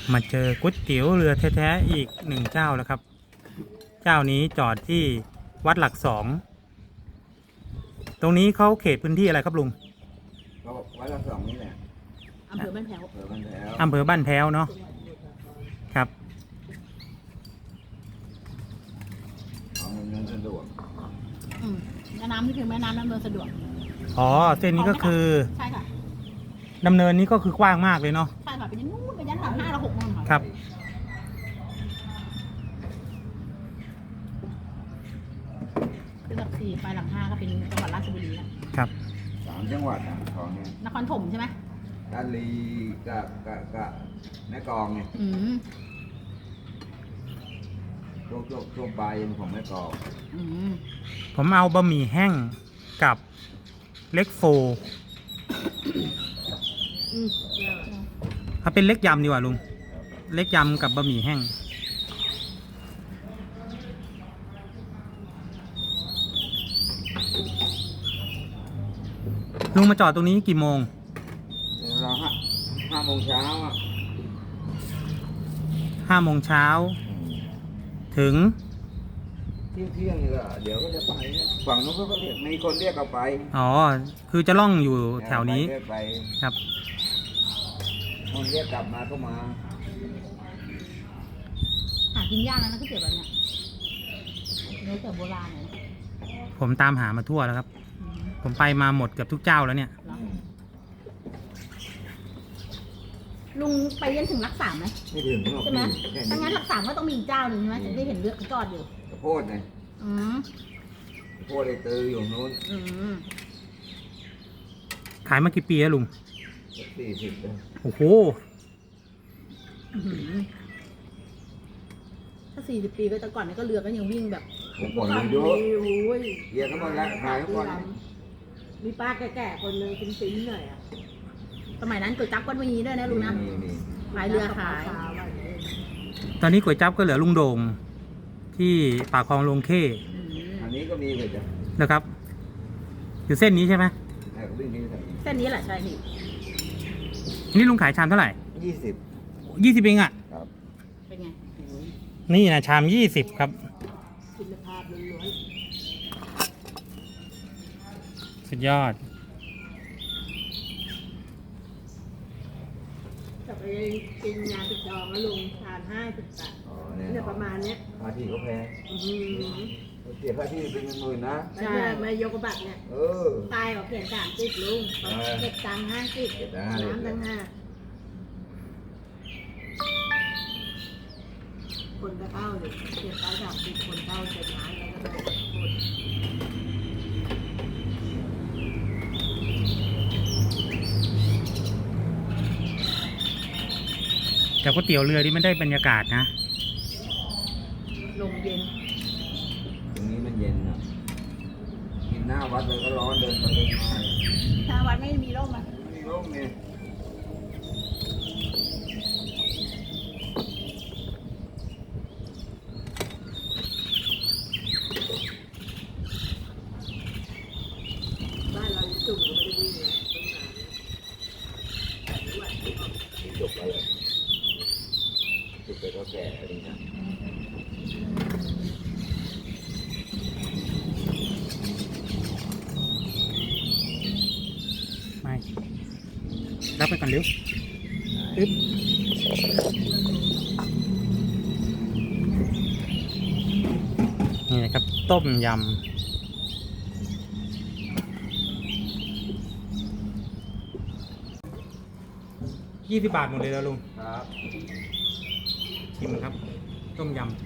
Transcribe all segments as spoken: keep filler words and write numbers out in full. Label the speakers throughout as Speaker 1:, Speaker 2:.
Speaker 1: มาเจอก๋วยเตี๋ยวเรือแท้ๆอีกหนึ่งเจ้าแล้วครับเจ้านี้จอดที่วัดหลักสองตรงนี้เขาเขตพื้นที่อะไรครับลุง
Speaker 2: ก็วัดหลักสองนี่แหละ
Speaker 3: อำเภอบ้านแพ้ว
Speaker 1: อำเภอบ้านแพ้วเนาะครับ
Speaker 2: ของเงินสะดวก
Speaker 3: อืมแม่น้ำนี่คือแม่น้ำดำเนินสะดวก
Speaker 1: อ๋อเส้นนี้ก็คือ
Speaker 3: ใช่ค่ะ
Speaker 1: ดำเนินนี้ก็คือกว้างมากเลยเนาะ
Speaker 3: ใช่ค่ะเป็นยันนู้นเป็นยันหลังห้าเราหกโมงค่ะ
Speaker 1: ครับ
Speaker 3: คือหลักสี่ไปหลังห้าก็เป็นจังหวัดราชบุรีนะครับ
Speaker 2: สามจังหวัดอ่ะของเนี่ย
Speaker 3: นครถมใช่ไหม
Speaker 2: กาลีกับกับกับแม่กลองเนี่ย
Speaker 3: อืม
Speaker 2: ช่วงช่วงช่วงปลายของแม่กลอง
Speaker 3: อืม
Speaker 1: ผมเอาบะหมี่แห้งกับเล็กโฟ
Speaker 3: อืม
Speaker 1: เอาเป็นเล็กยำดีกว่าลุงเล็กยำกับบะหมี่แห้งลุงมาจอดตรงนี้กี่โมง
Speaker 2: เราห้าห้าโมงเช้าอ่ะ
Speaker 1: ห้าโมงเช้าถึง
Speaker 2: เที่ยงเที่ยงนี่ก็เดี๋ยวก็จะไปฝั่งนู้นก็เรียกมีคนเรียกเราไป
Speaker 1: อ๋อคือจะล่องอยู่แถวนี้ครับ
Speaker 2: คนเรียกกลับมาก็มา
Speaker 3: หากินยากนะก๋วยเตี๋ยวแบบเนี้ยเนื้อเตี๋ยวโบราณเลย
Speaker 1: ผมตามหามาทั่วแล้วครับผมไปมาหมดเกือบทุกเจ้าแล้วเนี่ย
Speaker 3: ลุงไปยันถึงหลักสามไหม
Speaker 2: ไม่ถึง
Speaker 3: ใช่ไหมถ้างั้นหลักสามก็ต้องมีอีกเจ้าหนึ่งใช่ไหมถึงได้เห็นเลือกจอดอยู่
Speaker 2: กระโพดไง
Speaker 3: อืม
Speaker 2: กระโพดไอ้ตืออยู่นู้น
Speaker 3: อืม
Speaker 1: ขายมากี่ปีแล้วลุง
Speaker 2: สี่สิบเลย
Speaker 1: โอ้โห
Speaker 3: ถ้าสี่สิบปีก็แต่ก่อนนี่ก็เรือก็ยังวิ่งแบบ
Speaker 2: ผมก่อนเลยด้วยเรียกเขาหมดแล้วขายเขาก่อน
Speaker 3: มีป้าแก่ๆคนนึงเป็นซิ้นหน่อยอ่ะสมัยนั้นก๋วยจั๊บก็มีด้วยนะลุงนะขายเรือขาย
Speaker 1: ตอนนี้ก๋วยจั๊บก็เหลือลุงโด่งที่ปากคลองลงเข้
Speaker 2: อันนี้ก็มีเลยจ้ะ
Speaker 1: นะครับอยู่เส้นนี้ใช่ไหม
Speaker 3: เส้นนี้แหละใช่พี่
Speaker 1: นี่ลุงขายชามเท่าไหร่
Speaker 2: ยี่สิบ
Speaker 1: ยี่สิบเองอ่ะ
Speaker 2: ครับ
Speaker 3: เป็นไง
Speaker 1: นี่นะชามยี่สิบครับ
Speaker 3: คุณภาพล้วน
Speaker 1: สุดยอด
Speaker 3: จะไปกินยาติดจองแล้วลุงทานห้าสิบบาทเนี่ยประมาณเนี้ย
Speaker 2: ค่าที่ก็แพงเสียค่าที่เป็นเงินหมื่นนะ
Speaker 3: ใช่มายกบัตรเนี่ย
Speaker 2: เออ
Speaker 3: ตายเขาเขียนสามสิบลุงเก็บตังค์ห้าสิบน้ำตั้งห้าคนก็เข้าเลยเก็บไปสามสิบคนเข้าเจ็ดล้านแล้วก็ได้
Speaker 1: แต่ก๋วยเตี๋ยวเรือที่มันได้บรรยากาศนะ
Speaker 3: ลมเย็น
Speaker 2: ตรงนี้มันเย็นอ่ะกินหน้าวัดเลยก็ร้อนเดินไปเดินมา
Speaker 3: หน้าวัดไม่มีร่มอ่ะ
Speaker 2: ไม่มีร่มเนี่ย
Speaker 3: บ้านเราจุ่มก็ไม่ได้วิ่งเลย
Speaker 2: จบไปเลยจบไปก็แก่อะไรนะ
Speaker 1: ไม่รับไปก่อนเร็วอึ๊บนี่นะครับต้มยำยี่สิบบาทหมดเลยแล้วลุง
Speaker 2: ครับ
Speaker 1: ชิมครับต้มยำ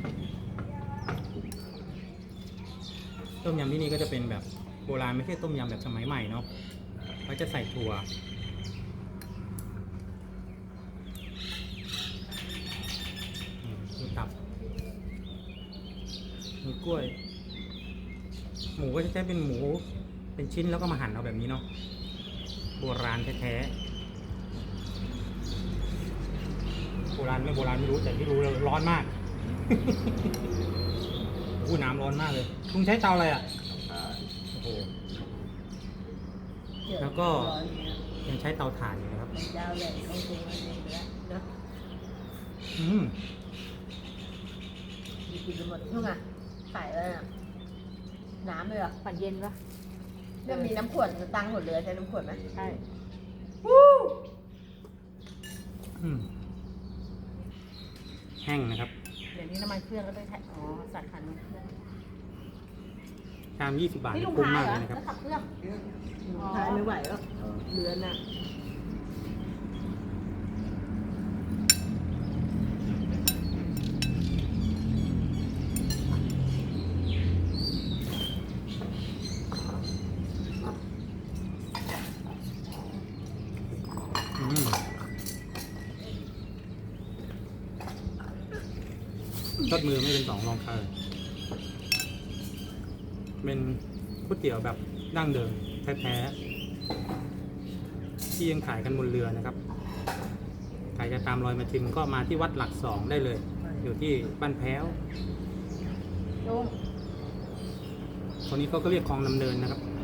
Speaker 1: ต้มยำที่นี่ก็จะเป็นแบบโบราณไม่ใช่ต้มยำแบบสมัยใหม่เนาะเขาจะใส่ถั่วมีตับมีกล้วยหมูก็จะใช้เป็นหมูเป็นชิ้นแล้วก็มาหั่นเอาแบบนี้เนาะโบราณแท้ๆโบราณไม่โบราณไม่รู้แต่ที่รู้ร้อนมากอู้น้ำร้อนมากเลยลุงใช้เตาอะไรอ่ะโอ้โหแล้วก็ยังใช้เตาถ่านอยู่นะครับอืม
Speaker 3: มีกินไปหมดนู่นไงใส่เลยอะน้ำเลยเหรอ่ะปั่นเย็นปะ
Speaker 4: เรื่องมีน้ำขวดตังหมดเลยใช้น้ำขวดไหม
Speaker 3: ใช่
Speaker 1: อืมแห้งนะครับ
Speaker 3: เดี๋ยวนี้น้ำมันเครื่องก็ต้องใช้อ๋อใส่ขันน้ำเครื่อง
Speaker 1: ชามยี่สิบบาท
Speaker 3: นี่ลุง
Speaker 1: คุ้ม
Speaker 3: พาย
Speaker 1: มาก
Speaker 3: เหร
Speaker 1: เล
Speaker 3: อย
Speaker 1: นะครับ
Speaker 3: แล้วขับเครื่อง
Speaker 4: อ๋อ
Speaker 3: พายไม่ไหวแล้ว
Speaker 2: เออ
Speaker 3: เรือนน่ะ
Speaker 1: อืมรสมือไม่เป็นสองรองใครเป็นก๋วยเตี๋ยวแบบดั้งเดิมแท้ๆที่ยังขายกันบนเรือนะครับใครจะตามรอยมาชิมก็มาที่วัดหลักสองได้เลย อยู่ที่บ้านแพ้ว
Speaker 3: ลุง
Speaker 1: คนนี้เขาก็เรียกคลองดำเนินนะครับ
Speaker 3: อ